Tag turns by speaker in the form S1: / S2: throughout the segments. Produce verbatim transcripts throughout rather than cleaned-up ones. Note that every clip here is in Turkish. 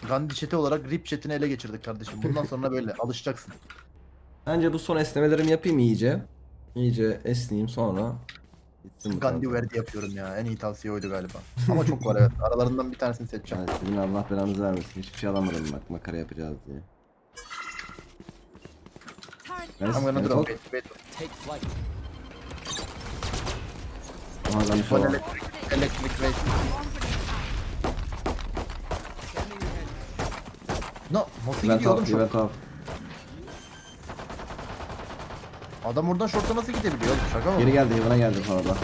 S1: Gandhi chat'i olarak R I P chat'ini ele geçirdik kardeşim. Bundan sonra böyle alışacaksın.
S2: Bence bu son esnemelerimi yapayım iyice. İyice esneyeyim sonra. Gitsin bu
S1: Gandhi
S2: tarafa.
S1: verdi yapıyorum ya. En iyi tavsiye oydu galiba. Ama çok var evet. Aralarından bir tanesini seçeceğim.
S2: Yani senin Allah belanızı vermesin. Hiçbir şey alamadım bak makara yapacağız diye. Nice,
S1: I'm gonna
S2: nice
S1: drop
S2: ult.
S1: it. Wait.
S2: Aha ben şu
S1: One
S2: an.
S1: electric, electric wait. No, nasıl
S2: Event
S1: gidiyor oğlum
S2: off,
S1: şu?
S2: event off.
S1: Adam oradan short'a nasıl gidebiliyor oğlum? Şaka mı?
S2: Geri geldi, bana geldi sonra da.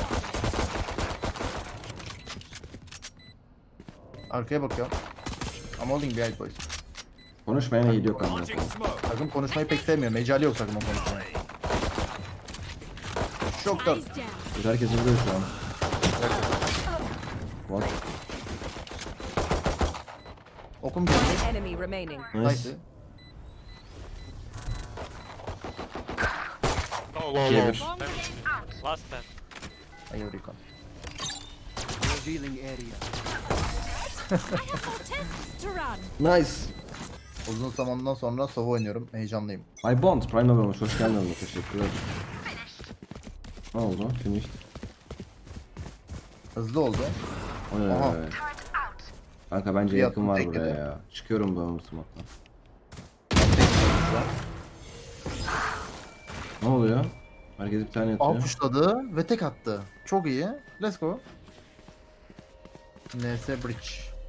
S1: Arkaya bakıyor. I'm holding behind boys.
S2: Konuşmayana iyi yok anne.
S1: Takım konuşmayı pek sevmiyor. Mecali yok takımın konuşmaya. Şoktan.
S2: Biz herkes vuruyor şu an. What?
S1: Okum geldi.
S3: Enemy remaining.
S2: Nice.
S1: Nice.
S4: Low, low,
S2: İkiye
S4: low.
S2: bir.
S4: Last ten.
S1: Hayır recon.
S3: Tests to run.
S2: Nice.
S1: Uzun zamandan sonra Sova oynuyorum. Heyecanlıyım.
S2: I Bond, Prime olmuş. Hoş geldin olmuş. Teşekkürler. Ne oldu? Finish.
S1: Hızlı oldu.
S2: Oy.
S1: Aha.
S2: Kanka bence
S1: Bir
S2: yakın
S1: attım,
S2: var
S1: tekledi.
S2: buraya ya. Çıkıyorum ben bu smoke'tan. Ne oluyor? Herkes bir tane
S1: Al
S2: atıyor.
S1: puşladı ve tek attı. Çok iyi. Let's go. N S Bridge.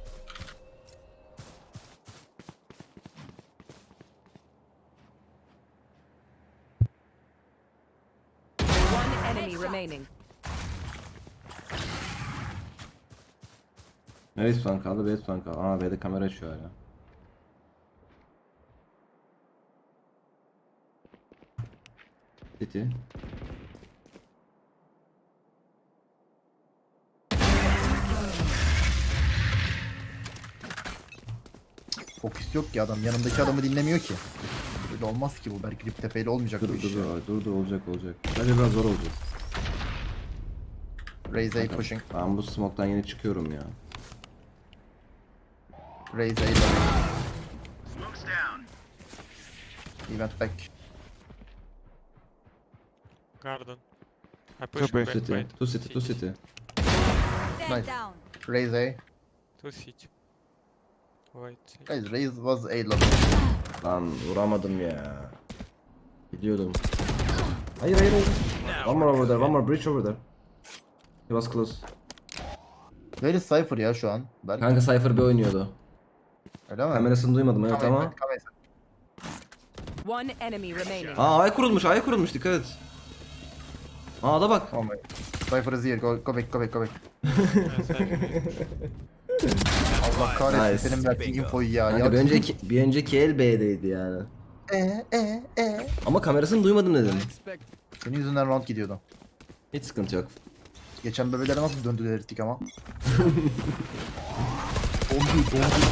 S3: One enemy remaining.
S2: Neresi falan kaldı? B'de falan kaldı. Aa B'de kamera açıyor hala. City.
S1: Fokus yok ki adam. Yanındaki adamı dinlemiyor ki. Böyle olmaz ki bu. Belki Rip Tepe'yle olmayacak
S2: Dur
S1: bu
S2: dur
S1: iş.
S2: dur dur dur olacak olacak. Bence biraz zor olacak.
S1: Raise A pushing.
S2: Ben bu smoke'tan yeni çıkıyorum ya.
S1: Raise A. Event back.
S4: Garden. I push
S5: Copy.
S4: back,
S2: City.
S4: wait.
S2: Two city, two city.
S1: Nice. Raise A.
S4: Two city. Wait.
S1: Guys, Raise was A level.
S2: Lan vuramadım ya. Gidiyordum. Hayır hayır hayır. One more over there, one more bridge over there. He was close.
S1: Very Cypher ya şu an. Belki.
S2: Kanka Cypher B oynuyordu.
S1: Öyle mi?
S2: Kamerasını duymadım evet
S1: Come in,
S2: ama.
S1: come in.
S3: One enemy remaining.
S2: Aa ay kurulmuş, ay kurulmuş dikkat et. Aa da bak.
S1: Oh my. Cypher is here. Go, go back, go back, go back.
S4: Yes, I-
S1: Allah kahretsin
S2: Nice.
S1: senin verdiğin infoyu ya.
S2: Kanka
S1: ya
S2: bir önceki, bir önceki el B'deydi yani.
S1: E, e, e.
S2: Ama kamerasını duymadım dedim.
S1: Senin yüzünden round gidiyordu.
S2: Hiç sıkıntı yok.
S1: Geçen bebelere nasıl döndüler ettik ama. Dondu, dondu.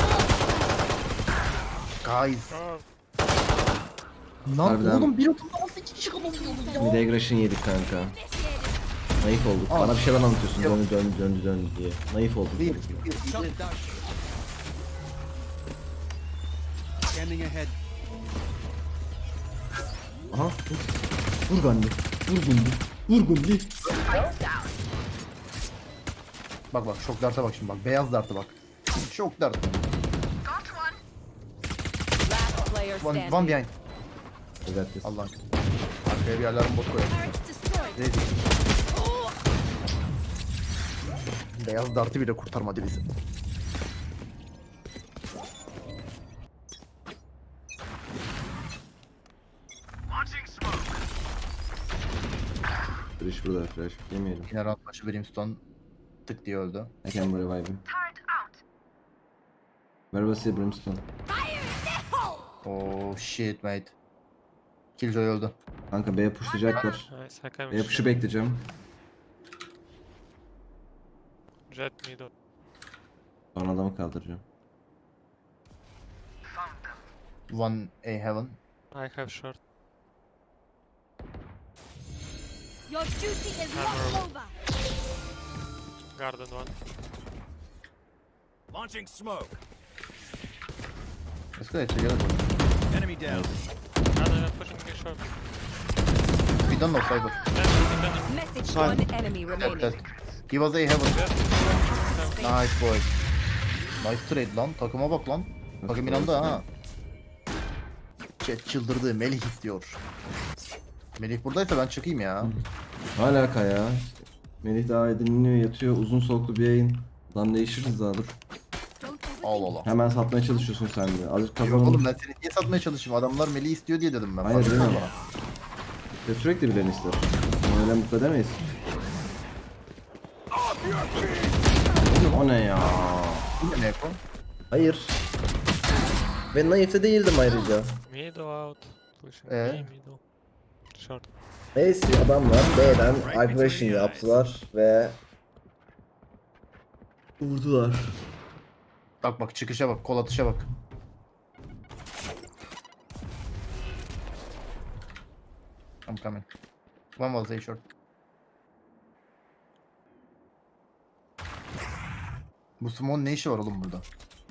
S1: Guys.
S4: Oh,
S1: Lan
S2: Harbiden.
S1: oğlum bir oturda nasıl iki kişi kalabiliyoruz ya?
S2: Bir de aggression yedik kanka. Naif olduk.
S1: Aa.
S2: Bana bir şeyler anlatıyorsun
S1: Yok.
S2: döndü döndü döndü döndü diye. Naif olduk.
S1: Bir, bir, bir.
S5: Scanning ahead.
S2: Aha. Vur Gandhi. Vur Gandhi. Vur Gandhi.
S1: Bak bak şok darta bak şimdi bak. Beyaz darta bak. Şok dart.
S3: Last player
S1: One,
S3: standing.
S1: one behind.
S2: Evet. yes.
S1: Allah'ım. Arkaya bir yerlerin bot koyalım. Ready. Beyaz dartı bile kurtarmadı bizi.
S2: Flash burada flash. Yemeyelim.
S1: Yine round başı Brimstone tık diye öldü.
S2: I can revive him. Where was he Brimstone?
S1: Oh shit mate. Killjoy öldü.
S2: Kanka B'ye pushlayacaklar.
S4: nice. I can
S2: B'ye push'u bekleyeceğim.
S4: Jet middle.
S2: Sonra adamı kaldıracağım.
S1: One A heaven.
S4: I have short.
S3: Your duty is
S4: not
S3: not over.
S4: Garden one.
S5: Launching smoke.
S1: Good, together.
S5: Enemy down.
S4: No, no, no, pushing me short.
S1: We don't know cyber.
S4: Dead, dead,
S3: Message
S6: Side.
S3: one enemy
S1: Dead,
S3: remaining.
S1: dead. He was A heaven.
S4: dead.
S1: Nice boy. Nice trade lan. Takıma bak lan. Takım inandı ha. Chat çıldırdı. Melih istiyor. Melih buradaysa ben çıkayım ya.
S2: Alaka ya. Melih daha dinleniyor, yatıyor. Uzun soluklu bir yayın. Lan değişiriz daha dur.
S1: Allah Allah.
S2: Hemen satmaya çalışıyorsun sen de. Azıcık
S1: Yok
S2: kazanalım.
S1: oğlum ben seni niye satmaya çalışayım? Adamlar Melih istiyor diye dedim ben.
S2: Hayır,
S1: Fark
S2: değil mi?
S1: etmez bana.
S2: Ve sürekli birilerini ister. Onu öyle mutlu edemeyiz. O ne ya?
S1: Bu ne Neko?
S2: Hayır. Ben naifte değildim ayrıca.
S4: Middle out. Pushing
S1: Ee?
S4: me, middle. Short.
S2: Neyse adamlar B'den aggression yaptılar ve vurdular.
S1: Bak bak çıkışa bak. Kol atışa bak. I'm coming. One was A short. Bu Simon ne işi var oğlum burada?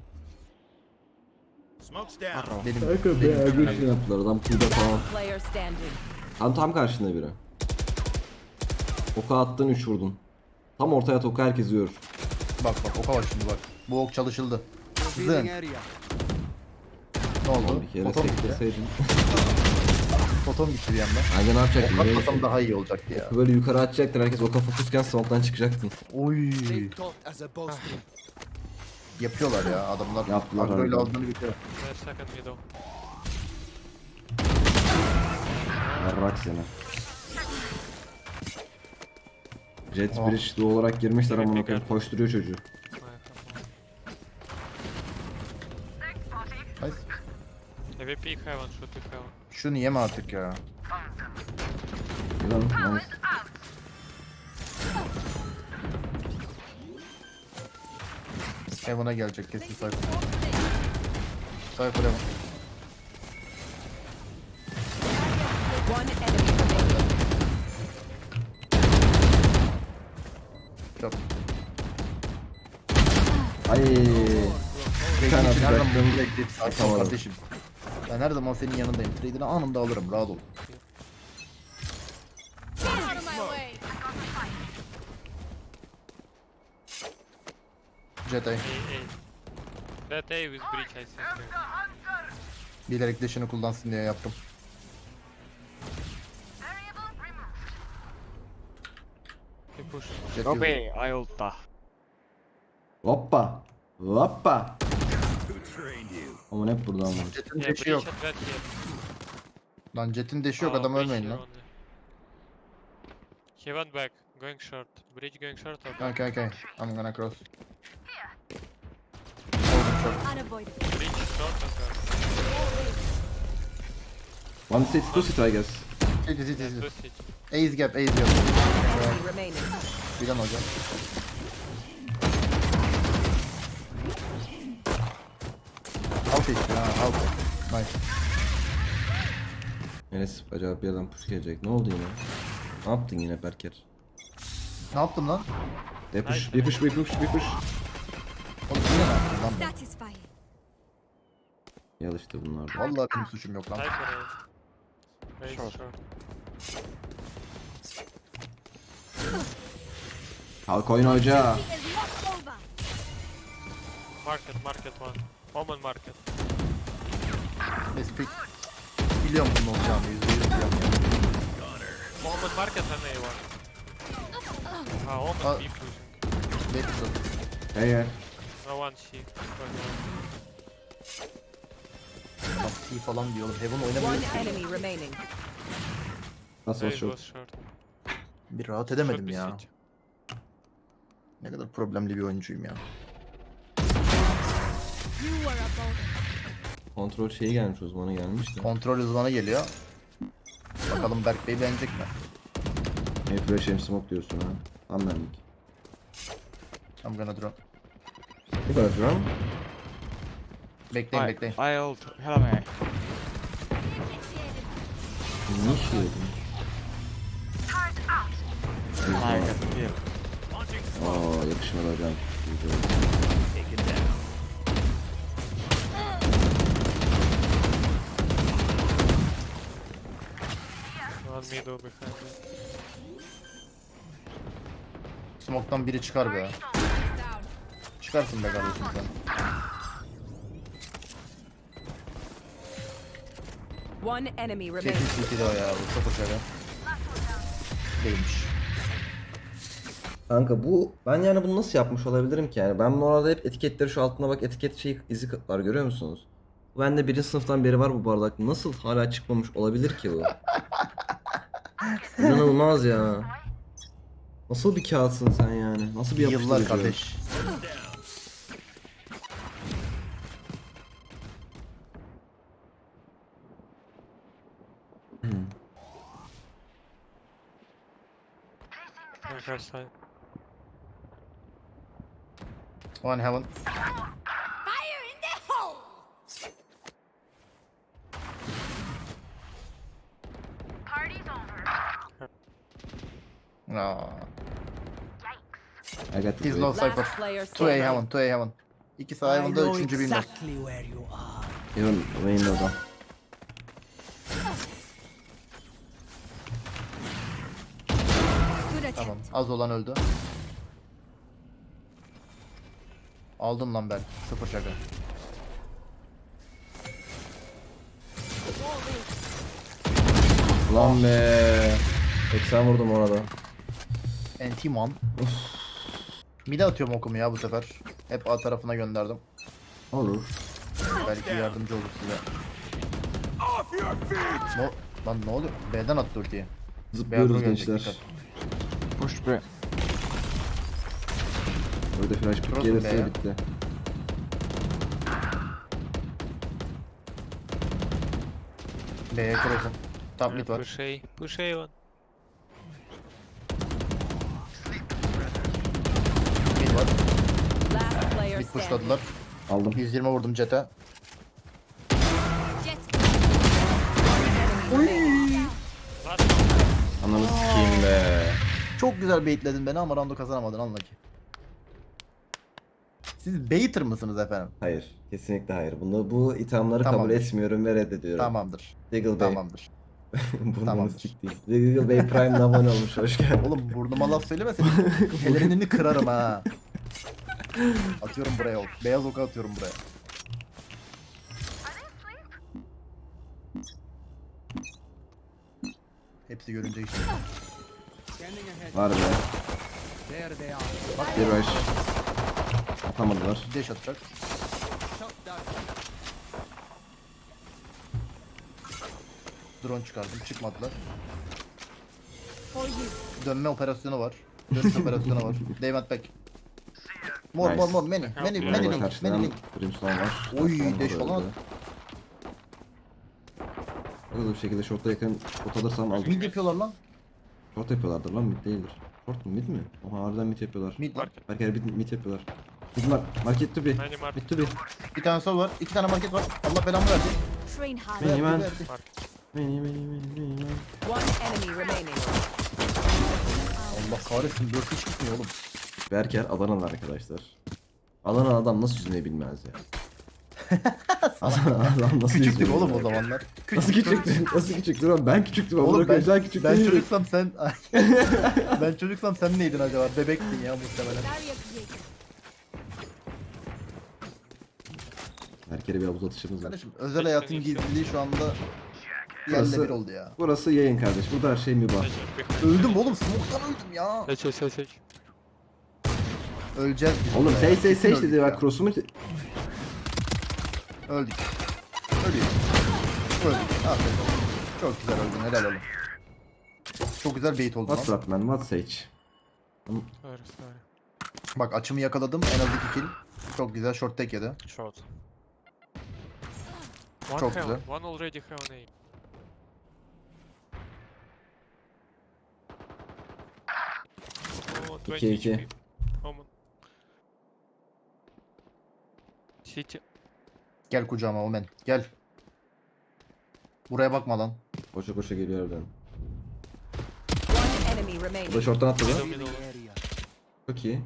S5: Smoke's down.
S1: Benim,
S2: Kanka B aggression yaptılar adam pulda falan.
S3: Player standing.
S2: Tam tam karşında biri. Oka attın üç vurdun. Tam ortaya at oku herkes yiyor.
S1: Bak bak oka bak şimdi bak. Bu ok çalışıldı. Zın. Ne oldu?
S2: Bir kere
S1: Foton gitti.
S2: sekleseydin.
S1: Foton gitti bir anda.
S2: Bence ne yapacaktın?
S1: Ok
S2: Böyle,
S1: atmasam daha iyi olacaktı ya.
S2: böyle yukarı atacaktın herkes oka fokusken smoke'tan çıkacaktın.
S1: Oy. Yapıyorlar ya adamlar.
S2: Yaptılar
S1: Agro'yla
S2: harbiden.
S1: aldığını bitiyor.
S4: There's second middle.
S2: Yarrak seni. Jet
S1: Oh.
S2: Bridge doğu olarak girmişler
S4: Evet,
S2: ama
S4: bekar.
S2: koşturuyor çocuğu.
S4: I have one.
S1: Nice.
S4: Maybe peek heaven, should peek heaven.
S1: Şunu yeme artık ya.
S2: Yılan, nice.
S1: Heaven'a gelecek kesin Cypher. Cypher Heaven.
S3: One enemy remaining.
S1: Yok.
S2: Ay. Bir tane
S1: Benim için her zaman
S2: atacaktım.
S1: bunu bekleyip sakin ol
S2: Atamadım.
S1: kardeşim. Ben her zaman senin yanındayım. Trade'ini anında alırım. Rahat ol. Jet A.
S4: A, A. That A with breach, I think.
S1: Bilerek dash'ını kullansın diye yaptım.
S4: He push.
S1: Jet
S6: Go
S1: yüzü.
S6: B, I ulta.
S2: Hoppa. Hoppa.
S5: Who trained you?
S2: Aman hep buradan var.
S1: Jet'in
S4: Yeah,
S1: dash'i
S4: breach
S1: yok.
S4: and red here.
S1: Lan Jet'in dash'i yok
S4: Oh,
S1: adam
S4: breach
S1: ölmeyin
S4: here
S1: lan.
S4: only. He went back, going short. Bridge going short or back?
S1: Okay okay. I'm gonna cross. Oldum çok.
S4: Bridge short or back?
S2: One city, two city I guess.
S1: City city
S4: Yeah,
S1: city.
S4: two city.
S1: Ace gap ace gap.
S3: Enemy remaining.
S1: Bilen hocam. Alt işte ha alt. Nice.
S2: Enes acaba bir adam push gelecek. Ne oldu yine? Ne yaptın yine Berker?
S1: Ne yaptım lan?
S2: Bir push, bir push, bir push, bir push.
S1: Oğlum yine ne yaptım lan ben?
S3: Satisfying.
S2: Yal işte bunlar da.
S1: Vallahi benim suçum yok lan.
S4: Cypher A. Raise
S6: Short.
S4: short.
S2: Kalk oyna hoca.
S4: Market, market one. Omen market.
S1: Let's pick. Biliyorum bunun olacağını yüzde yüz biliyorum ya.
S4: Omen market and A one. Ah, Omen
S1: Ah.
S4: B pushing.
S1: Bekle.
S2: Hey hey.
S4: No one C.
S1: Bak T falan diyor oğlum. Heaven
S3: One
S1: oynamıyor ki.
S3: enemy remaining.
S2: Nasıl
S4: Raise
S2: short?
S4: was short.
S1: Bir rahat
S4: Should
S1: edemedim
S4: be
S1: ya.
S4: city.
S1: Ne kadar problemli bir oyuncuyum ya.
S2: Kontrol şeyi gelmiş uzmanı gelmiş de.
S1: Kontrol uzmanı geliyor. Bakalım Berk Bey beğenecek mi?
S2: Hey flash hem smoke diyorsun ha. Tam benlik.
S1: I'm gonna drop.
S2: Ne kadar duram?
S1: Bekleyin
S6: I,
S1: bekleyin.
S6: I ult. Hello me.
S2: Ne iş yedin?
S6: I got the kill.
S5: Launching
S2: Aa yakışmadı hocam.
S5: taken down.
S4: Window behind me.
S1: Smoke'tan biri çıkar be. Çıkarsın be kardeşim sen.
S3: One enemy
S1: Kesin
S3: remaining.
S1: City'de o ya bu sıfır şaka. Değilmiş.
S2: Kanka bu ben yani bunu nasıl yapmış olabilirim ki yani ben bu arada hep etiketleri şu altına bak etiket şey izi var görüyor musunuz? Ben de birinci sınıftan beri var bu bardak. Nasıl hala çıkmamış olabilir ki bu? İnanılmaz ya. Nasıl bir kağıtsın sen yani? Nasıl bir
S1: Yıllar
S2: yapıştırıcı?
S1: kardeş.
S4: I have side.
S1: One heaven. Aa,
S2: I got
S1: he's
S2: the
S1: low
S3: Last
S1: cypher.
S3: player
S1: Two A
S3: standing.
S1: heaven, two A heaven. İki sağ heaven'da, üçüncü bilmem.
S2: Even Wayne'da.
S1: Tamam, az olan öldü. Aldın lan ben. Sıfır şaka.
S2: Lan be. seksen vurdum orada.
S1: Anti-man. Mide atıyorum okumu ya bu sefer. Hep A tarafına gönderdim.
S2: Olur.
S1: Belki yardımcı olur size.
S5: Off your feet!
S1: No, lan ne oluyor? B'den attı ultiyi.
S2: Zıplıyoruz
S1: Beyaz gelecek,
S2: gençler.
S1: dikkat.
S6: Push B.
S2: Burada flash pick
S1: Cross
S2: gelirse
S1: be.
S2: bitti.
S1: B'ye cross'um. Top mid var.
S4: Push A. Push A one.
S1: Mid var.
S3: Last player
S1: Mid
S3: standing.
S1: pushladılar.
S2: Aldım.
S1: yüz yirmi vurdum jet'e.
S2: Ananı sikeyim be.
S1: Çok güzel baitledin beni ama round'u kazanamadın anla ki. Siz baiter mısınız efendim?
S2: Hayır. Kesinlikle hayır. Bunu bu ithamları kabul
S1: Tamamdır.
S2: etmiyorum ve reddediyorum.
S1: Tamamdır.
S2: Diggle Bey.
S1: Tamamdır.
S2: Burnunu
S1: Tamamdır.
S2: siktiğim. Diggle Bey Prime'le abone olmuş. Hoş geldin.
S1: Oğlum burnuma laf söyleme senin. Pelerinini kırarım ha. Atıyorum buraya ok. Beyaz oku atıyorum buraya. Hepsi görünce işte.
S2: Var be. Bak bir rush. Atamadılar.
S1: Dash atacak. Drone çıkardım. Çıkmadılar. Dönme operasyonu var. Dönüş operasyonu var. They went back. More
S2: Nice.
S1: more more many. Many
S4: Yeah,
S1: many
S2: Merhaba
S1: link.
S2: karşıdan
S1: Many link.
S2: Brimstone var.
S1: Oy,
S2: Brimstone
S1: deş
S2: burada
S1: falan.
S2: öldü. Hızlı bir şekilde short'a yakın short alırsam aldım.
S1: Mid yapıyorlar lan.
S2: Short yapıyorlardır lan mid değildir. Short mu mid mi? Oha harbiden mid yapıyorlar.
S1: Mid lan.
S2: Belki mid, mid yapıyorlar. Mid var. Market to be.
S4: Many market.
S2: Mid to be.
S1: Bir tane sol var. iki tane market var. Allah belamı verdi.
S3: Train hard.
S2: Many man.
S1: Verdi, verdi.
S2: Many many many many man.
S3: One enemy remaining.
S1: Allah kahretsin. Dört hiç gitmiyor oğlum.
S2: Berker Adanalı arkadaşlar. Adanalı adam nasıl yüzmeyi bilmez ya. Adanalı adam nasıl
S1: Küçüktük
S2: yüzmeyi
S1: oğlum o
S2: bilmez?
S1: zamanlar.
S2: Nasıl küçüktün? Nasıl küçüktün oğlum? Ben küçüktüm.
S1: Oğlum
S2: Oğlum
S1: ben,
S2: ben, küçük
S1: ben
S2: değilim.
S1: çocuksam sen... ben çocuksam sen neydin acaba? Bebektin ya muhtemelen.
S2: Berker'e bir havuz atışımız var.
S1: Kardeşim özel hayatın gizliliği şu anda
S2: Burası-
S1: yerle bir oldu ya.
S2: Burası yayın kardeş. Burada her şey mübah.
S4: Sage behind.
S1: Öldüm oğlum, smoke'tan öldüm ya.
S4: Sage, Sage, Sage.
S1: Öleceğiz biz.
S2: Oğlum
S1: burada
S2: sey
S1: ya.
S2: sey
S1: Kesin
S2: sey
S1: öldük
S2: dedi
S1: ya.
S2: bak cross'umu
S1: Öldük. Ölüyoruz. Öldük. Aferin oğlum. Çok güzel öldün, helal oğlum. Çok güzel bait oldu
S2: What's
S1: lan.
S2: up man? What's Sage?
S4: Sorry, sorry.
S1: Bak açımı yakaladım, en az iki kill. Çok güzel short tek yedi.
S4: Short. One
S1: Çok
S4: heaven.
S1: güzel.
S4: One already heaven A. Oh, twenty
S2: iki, iki.
S4: H P. Omen. City.
S1: Gel kucağıma Omen, gel. Buraya bakma lan.
S2: Koşa koşa geliyor oradan.
S3: One enemy
S2: Bu da
S3: remaining.
S2: short'tan atladı.
S4: Middle, middle.
S2: Çok iyi.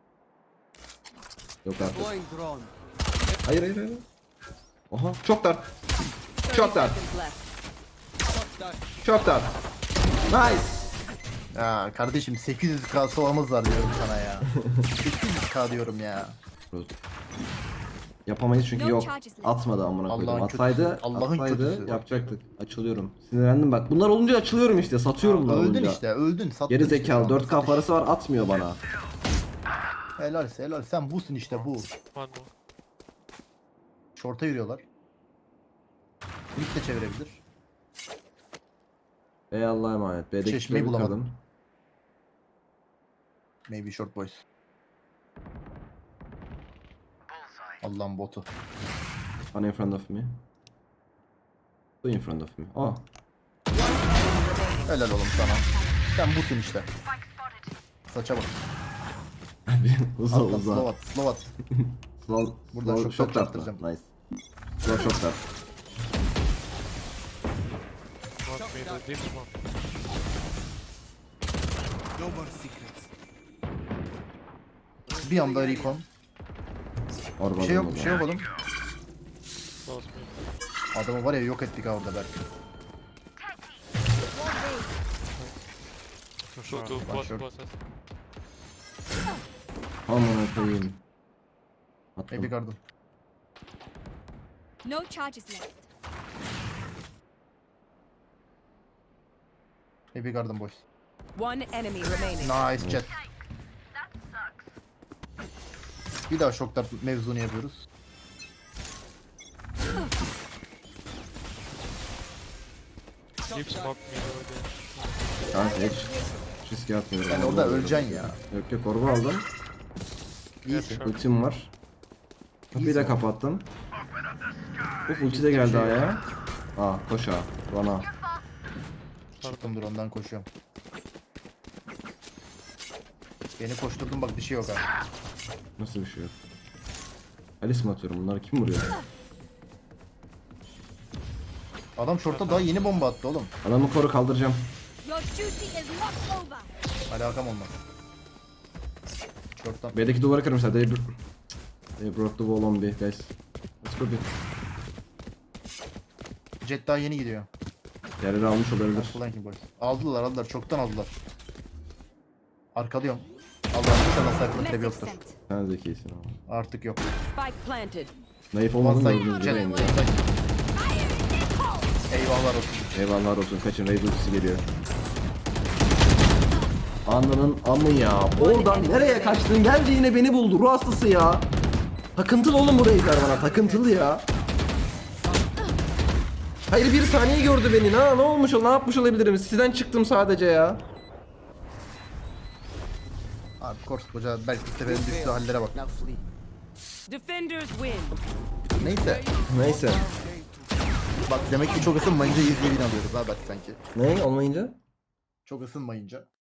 S2: Yok artık. Hayır hayır hayır. Oha çok dar.
S3: thirty
S2: Çok dar.
S3: seconds left.
S2: Çok dar. Nice.
S1: Ya kardeşim sekiz yüz K soğamız var diyorum sana ya. sekiz yüz K diyorum ya.
S2: Yapamayız çünkü
S3: No
S2: yok.
S3: charges left.
S2: Atmadı amına koydum.
S1: Allah'ın
S2: Atsaydı,
S1: kötüsü, Allah'ın
S2: atsaydı
S1: kötüsü.
S2: yapacaktık. Açılıyorum. Sinirlendim bak. Bunlar olunca açılıyorum işte. Satıyorum bunlar
S1: Öldün
S2: olunca.
S1: işte öldün sattın
S2: Geri
S1: işte.
S2: zekalı dört K parası var atmıyor bana.
S1: Helal helal sen busun işte bu.
S4: One more.
S1: Şorta yürüyorlar. Mid de çevirebilir.
S2: Ey Allah'a emanet. B'deki
S1: Çeşmeyi
S2: kitabı
S1: bulamadım.
S2: kırdım.
S1: Maybe short boys. Allah'ın botu.
S2: One in front of me. Two in front of me. Oh.
S1: Helal oğlum sana. Sen busun işte. Saça bak.
S2: uza
S1: Atla,
S2: uza.
S1: slow at, slow at.
S2: Slow,
S1: Buradan
S2: slow
S1: şok
S2: shot
S1: çarptıracağım.
S2: atma. Nice. Slow shot at.
S4: One middle, deep smoke.
S5: No more secrets.
S1: Bir anda recon.
S2: Orba
S1: Bir şey yok, bir şey yok oğlum.
S4: Close mid.
S1: Adamı var ya yok ettik ha orada belki.
S4: Two, two,
S1: One
S4: both
S1: short.
S4: bosses.
S2: Amına koyayım. Attım.
S1: Maybe garden.
S3: No charges left.
S1: Maybe garden boys.
S3: One enemy remaining.
S1: Nice jet. Bir daha şoklar mevzunu yapıyoruz.
S4: Deep smoke middle again.
S2: Kanka hiç riske atmıyorum.
S1: Yani
S2: Vallahi
S1: orada
S2: öyle.
S1: öleceksin ya.
S2: Yok yok orba aldım.
S1: İyisin.
S2: Ultim var. Kapıyı da
S1: İyisin.
S2: kapattım. Uf ulti de geldi aya. Aa koş ağa. Bana.
S1: Çıktım dur ondan koşuyorum. Beni koşturdun bak bir şey yok ha.
S2: Nasıl bir şey yok? Alice mi atıyorum? Bunları kim vuruyor?
S1: Adam şorta daha yeni bomba attı oğlum.
S2: Adamı koru kaldıracağım.
S3: Your duty is not over.
S1: Alakam olmaz. Şorttan.
S2: B'deki duvarı kırmışlar. They, bro- they broke the wall on B guys. Let's go B.
S1: Jet daha yeni gidiyor.
S2: Yerleri almış olabilir.
S1: Flanking boys. Aldılar aldılar çoktan aldılar. Arkalıyorum. Allah'ım inşallah cypher trap
S3: Message
S1: yoktur.
S3: sent.
S2: Sen zekisin ama.
S1: Artık yok.
S3: Spike planted.
S2: Naif olmadın da
S1: One
S2: gördüğünüz
S1: side.
S2: gibi
S1: Jet.
S2: indi.
S1: one side. Eyvallah olsun.
S2: Eyvallah olsun. Kaçın Raid ultisi geliyor. Ananın amı ya. Oradan nereye kaçtın? Gelce yine beni buldu. Ruh hastası ya. Takıntılı oğlum bu Raid'ler bana. Takıntılı ya. Hayır bir saniye gördü beni. Ha ne olmuş o? Ne yapmış olabilirim? Sizden çıktım sadece ya.
S1: Abi koskoca belki seferin düştüğü hallere bak.
S3: Defenders win.
S1: Neyse.
S2: Neyse.
S1: Bak demek ki çok ısınmayınca yüz bin alıyoruz ha bak sanki.
S2: Ne olmayınca?
S1: Çok ısınmayınca.